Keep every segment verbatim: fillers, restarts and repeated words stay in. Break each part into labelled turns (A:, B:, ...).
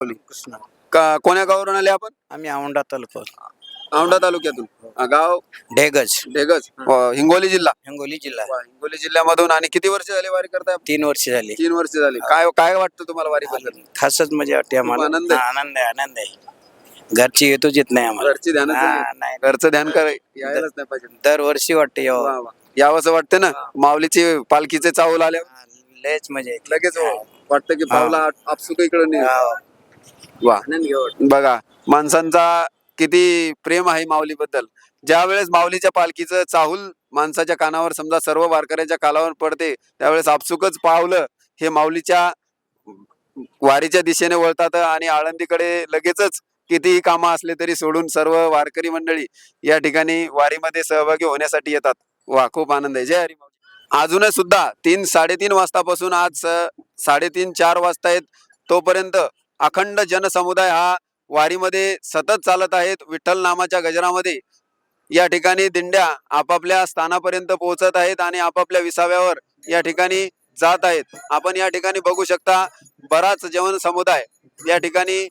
A: कृष्ण
B: का कोण्या गावावरून आले आपण?
A: आम्ही औंढा तालुका
B: औंढा तालुक्यातून. अ, गाव
A: ढेगज
B: ढेगज, अ, हिंगोली जिल्हा.
A: हिंगोली जिल्हा.
B: वा, हिंगोली जिल्ह्यामधून. आणि किती वर्ष झाले वारी करताय?
A: तीन वर्ष झाली.
B: तीन वर्ष झाली. काय काय वाटतं तुम्हाला वारी बद्दल?
A: खासच मजा वाटते आम्हाला.
B: आनंद आहे.
A: हा, आनंद आहे आनंद आहे. घरची येतोच येत नाही आम्हाला.
B: घरची ध्यानच
A: हा,
B: नाही.
A: नाही
B: घरचं ध्यान कराय यायलाच नाही पाहिजे.
A: दरवर्षी वाटते यावं.
B: वा, वा. यावंसं वाटतं ना. माऊलीची पालखीचे चावल आल्या
A: हा, लयच मजा येते.
B: लगेच
A: हा.
B: वाटतं की पावला आपसुक इकडे नाही.
A: हा.
B: वा, बघा माणसांचा किती प्रेम आहे माऊली बद्दल. ज्या वेळेस माऊलीच्या पालखीचं चाहूल माणसाच्या कानावर, समजा सर्व वारकऱ्याच्या कानावर पडते, त्यावेळेस आपसुकच पावलं हे माऊलीच्या वारीच्या दिशेने वळतात आणि आळंदीकडे लगेचच कितीही कामं असले तरी सोडून सर्व वारकरी मंडळी या ठिकाणी वारीमध्ये सहभागी होण्यासाठी येतात. वा, खूप आनंद आहे. जय हरी माऊली. अजूनही सुद्धा तीन साडेतीन वाजतापासून आज अ, साडेतीन चार वाजता आहेत तोपर्यंत अखंड जनसमुदाय हा वारीमध्ये सतत चालत आहेत. विठ्ठल नामाच्या गजरामध्ये या ठिकाणी दिंड्या आपापल्या स्थानापर्यंत पोहोचत आहेत आणि आपापल्या विसाव्यावर या ठिकाणी जात आहेत. आपण या ठिकाणी बघू शकता बराच जन समुदाय या ठिकाणी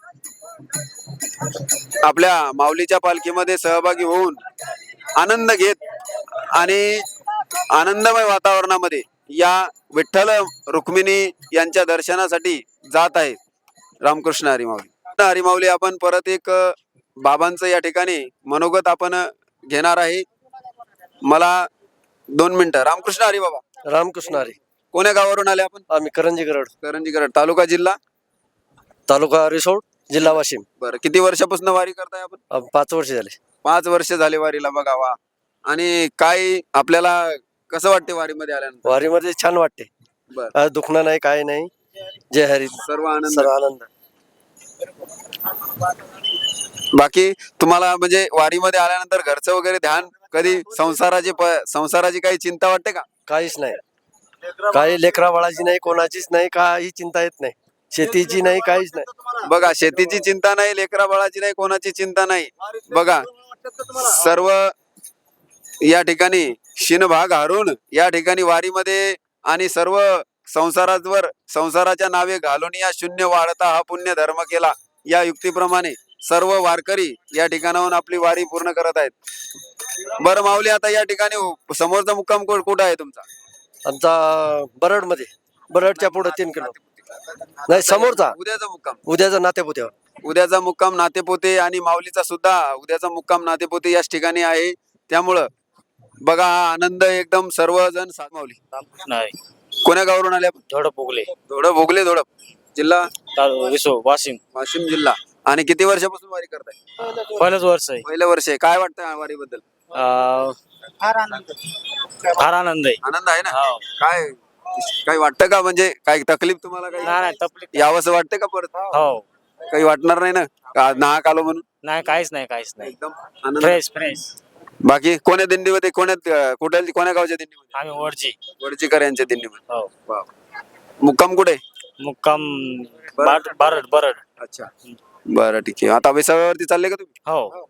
B: आपल्या माऊलीच्या पालखीमध्ये सहभागी होऊन आनंद घेत आणि आनंदमय वातावरणामध्ये या विठ्ठल रुक्मिणी यांच्या दर्शनासाठी जात आहे. रामकृष्ण हरी माऊली. हरी माऊली. आपण परत एक अ, बाबांचं या ठिकाणी मनोगत आपण घेणार आहे. मला दोन मिनिटं. रामकृष्ण हरी बाबा.
C: रामकृष्ण हरी.
B: कोण्या गावावरून आले आपण?
C: आम्ही करंजी गरड,
B: करंजी गरड, तालुका जिल्हा
C: तालुका रिसोड, जिल्हा वाशिम.
B: बरं, किती वर्षापासून वारी करताय आपण?
C: अं, पाच वर्ष झाले.
B: पाच वर्ष झाले वारीला. बघा, वा. आणि काय आपल्याला कसं वाटते वारीमध्ये आल्यानंतर?
C: वारीमध्ये छान वाटते.
B: बर,
C: अं, दुखणं नाही, काय नाही. जय हरी.
B: सर्व आनंद.
C: सर्व आनंद.
B: बाकी तुम्हाला म्हणजे वारीमध्ये आल्यानंतर घरचं वगैरे ध्यान, कधी संसाराची प- संसाराची काही चिंता वाटते का?
C: काहीच नाही. काही लेकरा बाळाची नाही, कोणाचीच नाही, काही चिंता येत नाही. शेतीची नाही, काहीच नाही.
B: बघा, शेतीची चिंता नाही, लेकरा बाळाची नाही, कोणाची चिंता नाही. बघा, सर्व या ठिकाणी शिनभाग हारून या ठिकाणी वारीमध्ये आणि सर्व संसारावर संसाराच्या नावे घालून या शून्य वाढता हा पुण्य धर्म केला या युक्तीप्रमाणे सर्व वारकरी या ठिकाणाहून आपली वारी पूर्ण करत आहेत. बरं माऊली, आता या ठिकाणी समोरचा मुक्काम कु- कुठं आहे तुमचा?
C: आमचा बरड मध्ये, बरडच्या पुढे तीन किलो नाही, समोरचा
B: उद्याचा मुक्काम.
C: उद्याचा नात्यापुत्यावर.
B: उद्याचा मुक्काम नातेपोते आणि माऊलीचा सुद्धा उद्याचा मुक्काम नातेपोते याच ठिकाणी आहे. त्यामुळं बघा, हा आनंद एकदम सर्वजण साथ. माऊली,
A: नाही.
B: कोण्या गावावरून आले आपण?
A: थोडं पुगले.
B: धोडप, भोगले धोडप, जिल्हा
A: विसो वाशिम.
B: वाशिम जिल्हा. आणि किती वर्षापासून वारी करताय?
A: पहिलंच वर्ष आहे.
B: पहिलं वर्ष आहे. काय वाटतं वारी बद्दल?
A: अं, फार आनंद आहे.
B: आनंद आहे ना.
A: हो.
B: काय काही वाटतं का, म्हणजे काही तकलीफ तुम्हाला
A: नाही
B: काही
A: नाही, तकलीफ
B: यावंसं वाटतं का परत?
A: हो.
B: काही वाटणार नाही ना, का नाहक आलो म्हणून?
A: नाही, काहीच नाही, काहीच नाही.
B: एकदम आनंद.
A: Fresh fresh.
B: बाकी कोण्या दिंडीमध्ये, कोण्यात अं, कुठल्या कोण्या गावच्या दिंडीमध्ये?
A: आम्ही वरची.
B: वडचीकर यांच्या दिंडीमध्ये.
A: हो.
B: वा. मुक्काम कुठे?
A: मुक्काम बारड बारड बरड.
B: अच्छा, बरं, ठीक आहे. आता विसाव्यावरती चालले का तुम्ही?
A: हो.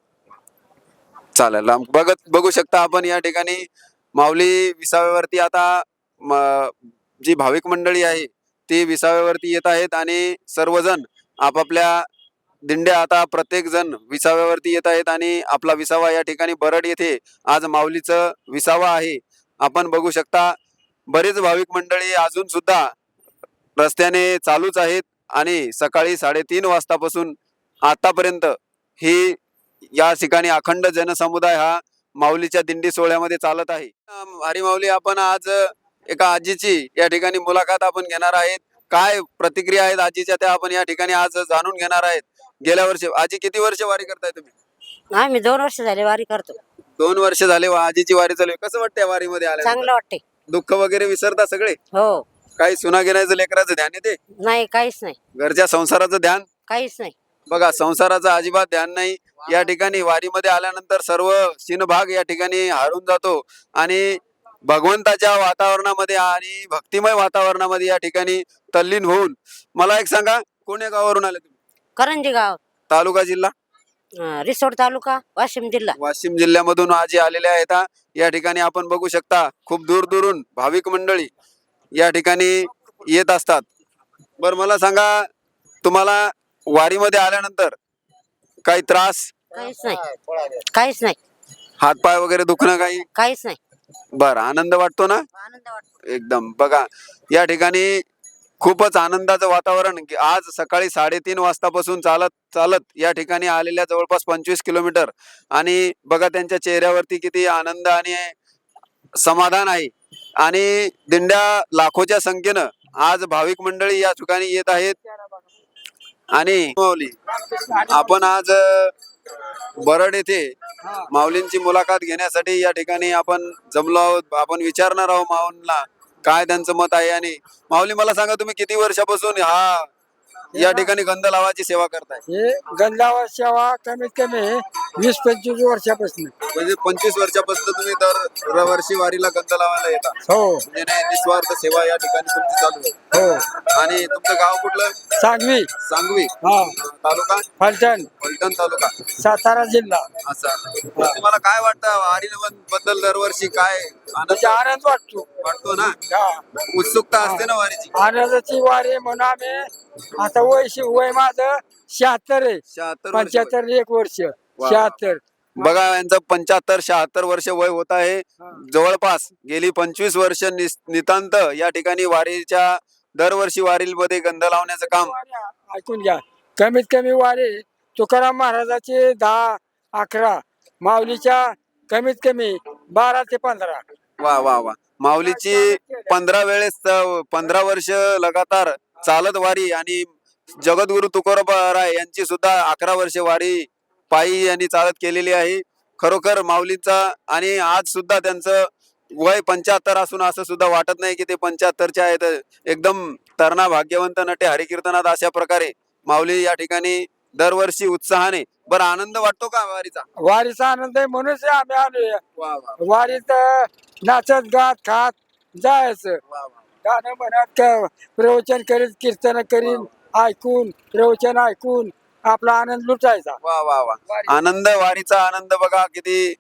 B: चालेल. राम- बघत बघू शकता आपण या ठिकाणी माऊली विसाव्यावरती आता म- जी भाविक मंडळी आहे ती विसाव्यावरती येत आहेत आणि सर्वजण आपापल्या दिंड्या आता प्रत्येक जण विसाव्यावरती येत आहेत आणि आपला विसावा या ठिकाणी बरड येथे आज माऊलीचं विसावा आहे. आपण बघू शकता बरेच भाविक मंडळी अजून सुद्धा रस्त्याने चालूच आहेत आणि सकाळी साडेतीन वाजतापासून आतापर्यंत ही या ठिकाणी अखंड जनसमुदाय हा माऊलीच्या दिंडी सोहळ्यामध्ये चालत आहे. अं, हरी माऊली, आपण आज एका आजीची या ठिकाणी मुलाखत आपण घेणार आहेत. काय प्रतिक्रिया आहेत आजीच्या त्या आपण या ठिकाणी आज जाणून घेणार आहेत. गेल्या वर्षी आजी किती वर्ष वारी करताय तुम्ही?
D: आम्ही दोन वर्ष झाले वारी करतो.
B: दोन वर्ष झाले वा- आजीची वारी चालू आहे. कसं वाटतंय वारीमध्ये आल्या?
D: चांगलं वाटते.
B: दुःख वगैरे विसरता सगळे?
D: हो.
B: काही सुना घेण्याचं लेकराचं ध्यान येते?
D: नाही, काहीच नाही,
B: घरच्या संसाराचं ध्यान?
D: काहीच नाही.
B: बघा, संसाराचं अजिबात ध्यान नाही. या ठिकाणी वारीमध्ये आल्यानंतर सर्व शिनभाग या ठिकाणी हारून जातो आणि भगवंताच्या वातावरणामध्ये आणि भक्तिमय वातावरणामध्ये या ठिकाणी तल्लीन होऊन. मला एक सांगा, कोण्या गावावरून आले तुम्ही?
D: करंजी गाव,
B: तालुका जिल्हा?
D: अं, रिसोड तालुका, वाशिम जिल्हा.
B: वाशिम जिल्ह्यामधून आजी आलेले आहेत. हा. या ठिकाणी आपण बघू शकता खूप दूर दूरून भाविक मंडळी या ठिकाणी येत असतात. बरं, मला सांगा, तुम्हाला वारीमध्ये आल्यानंतर काही त्रास,
D: काहीच नाही काहीच नाही
B: हातपाय वगैरे दुखणं काही?
D: काहीच नाही
B: बरं, आनंद वाटतो ना
D: आनंद वाटतो.
B: एकदम? बघा या ठिकाणी खूपच आनंदाचं वातावरण. की आज सकाळी साडेतीन वाजतापासून चालत चालत या ठिकाणी आलेल्या जवळपास पंचवीस किलोमीटर, आणि बघा त्यांच्या चेहऱ्यावरती किती आनंद आणि समाधान आहे. आणि दिंड्या लाखोच्या संख्येनं आज भाविक मंडळी या ठिकाणी येत आहेत. आणि माऊली, आपण आज अ, बरड येथे माऊलींची मुलाखत घेण्यासाठी या ठिकाणी आपण जमलो आहोत. आपण विचारणार आहोत माऊलींना काय त्यांचं मत आहे. आणि माऊली, मला सांगा, तुम्ही किती वर्षापासून हा या ठिकाणी गंध लावाची सेवा करताय?
E: हे गंधावर सेवा कमीत कमी वीस पंचवीस वर्षापासून.
B: म्हणजे पंचवीस वर्षापासून तुम्ही दर वर्षी वारीला गंध लावायला येता?
E: हो
B: म्हणजे नाही, निस्वार्थ सेवा या ठिकाणी तुमची चालू आहे.
E: हो.
B: आणि तुमचं गाव कुठलं?
E: सांगवी,
B: सांगवी.
E: हा,
B: तालुका
E: फलटण,
B: फलटण तालुका.
E: सातारा जिल्हा.
B: असं तुम्हाला काय वाटतं वारी बद्दल दरवर्षी काय आनंद
E: म्हणजे आनंद वाटतो.
B: वाटतो ना?
E: हा.
B: उत्सुकता असते ना वारीची?
E: आनंदाची वारी म्हणून आम्ही आता वय शि- वय माझं शहात्तर आहे.
B: शहात्तर वर्ष वय.
E: पंच्याहत्तर एक वर्ष शहात्तर.
B: बघा, यांचं पंच्याहत्तर शहात्तर वर्ष वय होत आहे. जवळपास गेली पंचवीस वर्ष निस- नितांत या ठिकाणी वारीच्या दरवर्षी वारीमध्ये गंध लावण्याचं काम.
E: ऐकून घ्या, कमीत कमी वारी तुकाराम महाराजाचे दहा अकरा, माऊलीच्या कमीत कमी बारा ते पंधरा.
B: वा वा वा. माऊलीची पंधरा वेळेस अ, पंधरा वर्ष लगातार चालत वारी. आणि जगद्गुरु तुकोराम राय यांची सुद्धा अकरा वर्ष वारी पायी यांनी चालत केलेली आहे. खरोखर माऊलीचा, आणि आज सुद्धा त्यांचं वय पंच्याहत्तर असून असं सुद्धा वाटत नाही की ते पंच्याहत्तरचे आहेत. एकदम तरणा भाग्यवंत नटे हरिकीर्तनात अशा प्रकारे माऊली या ठिकाणी दरवर्षी उत्साहाने. बरं, आनंद वाटतो का वारीचा?
E: वारीचा आनंद आहे म्हणूनच आम्ही आलोय.
B: वा वा
E: वारीत नाचत गात खात जायचं,
B: वा वा.
E: गाणं म्हणत क- प्रवचन करीत, कीर्तन करीत, ऐकून प्रवचन ऐकून आपला आनंद लुटायचा.
B: वा वा वा. आनंद, वारीचा आनंद बघा किती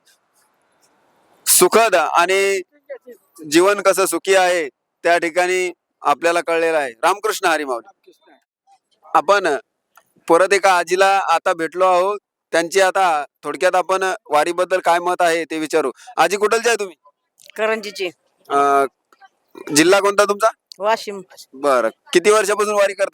B: सुखद, आणि जीवन कसं सुखी आहे त्या ठिकाणी आपल्याला कळलेलं आहे. रामकृष्ण हरी माऊली. आपण परत एका आजीला आता भेटलो आहोत. त्यांची आता थोडक्यात आपण वारीबद्दल काय मत आहे ते विचारू. आजी, कुठलचे आहे तुम्ही?
F: करंजीची.
B: अं, जिल्हा कोणता तुमचा?
F: वाशिम.
B: बरं, किती वर्षापासून वारी करता?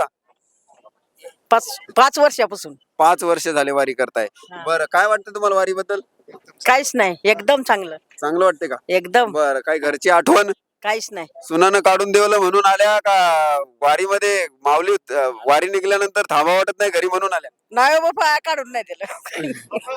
F: पाच पाच वर्षापासून.
B: पाच वर्ष झाले वारी करताय.
F: हा.
B: बरं, काय वाटतं तुम्हाला वारीबद्दल?
F: काहीच नाही, एकदम चांगलं.
B: चांगलं वाटते का?
F: एकदम
B: बरं, काही घरची आठवण
F: काहीच नाही.
B: सुनानं काढून देवलं म्हणून आल्या का वारीमध्ये माऊली अं, वारी निघाल्यानंतर थांबा वाटत नाही घरी म्हणून आल्या?
F: नाही बाबा, काढून नाही दिलं.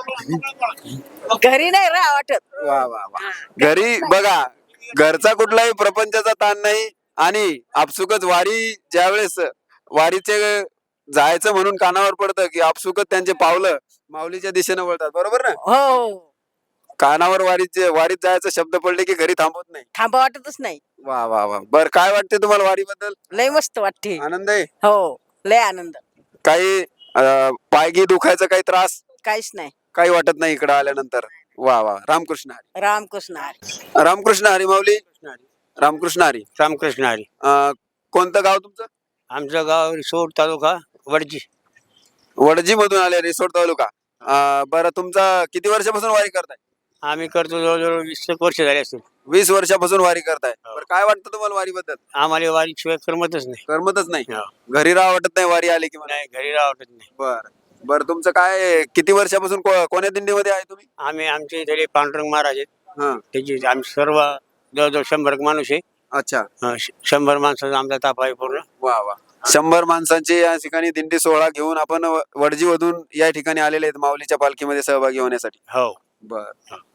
F: घरी नाही राहा वाटत.
B: वा वा वा. घरी बघा, घरचा कुठलाही प्रपंचाचा ताण नाही. आणि आपसुकच वारी ज्यावेळेस वारीचे जायचं म्हणून कानावर पडतं की आपसुकच त्यांचे पावलं माऊलीच्या दिशेने वळतात. बरोबर ना?
F: हो,
B: कानावर वारीचे वारीत जायचं शब्द पडले की घरी थांबवत नाही.
F: थांबा वाटतच नाही.
B: वा वा वा. बर, काय वाटते तुम्हाला वारीबद्दल?
F: लय मस्त वाटते.
B: आनंद आहे?
F: हो, लय आनंद.
B: काही अं, पायगी दुखायचा काही त्रास
F: काहीच नाही.
B: काही वाटत नाही इकडे आल्यानंतर? वा वा. रामकृष्ण हरी.
F: रामकृष्ण हरी.
B: रामकृष्ण हरी माऊली. रामकृष्ण हरी.
A: रामकृष्ण हरी.
B: अं, कोणतं गाव तुमचं?
A: आमचं गाव रिसोड तालुका वडजी.
B: वडजी मधून आले, रिसोड तालुका. अं, बरं, तुमचा किती वर्षापासून वारी करताय?
A: आम्ही करतो जवळजवळ वीस एक वर्ष झाले असतील.
B: वीस वर्षापासून वारी करताय. बरं, काय वाटतं तुम्हाला वारीबद्दल?
A: आम्हाला वारीशिवाय करमतच नाही.
B: करमतच नाही?
A: हो.
B: घरी राहा वाटत नाही वारी आली की मला?
A: नाही, घरी राहा वाटत नाही.
B: बर बर. तुमचं काय, किती वर्षापासून को- कोण्या दिंडीमध्ये आहे तुम्ही?
A: आम्ही आमचे इथे पांडुरंग महाराज आहेत,
B: हा.
A: त्याची आम्ही सर्व जवळजवळ शंभर एक माणूस आहे.
B: अच्छा.
A: अं, श- शंभर माणसाचा आमचा ताप आहे पूर्ण.
B: वा वा. शंभर माणसांची या ठिकाणी दिंडी सोहळा घेऊन आपण वडजी मधून या ठिकाणी आलेले आहेत माऊलीच्या पालखीमध्ये सहभागी होण्यासाठी.
A: हो.
B: बर.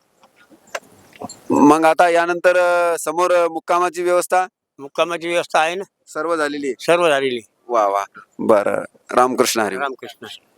B: मग आता यानंतर अं, समोर अं, मुक्कामाची व्यवस्था
A: मुक्कामाची व्यवस्था आहे ना,
B: सर्व झालेली आहे?
A: सर्व झालेली.
B: वा वा. बर. रामकृष्ण हरी.
A: रामकृष्ण.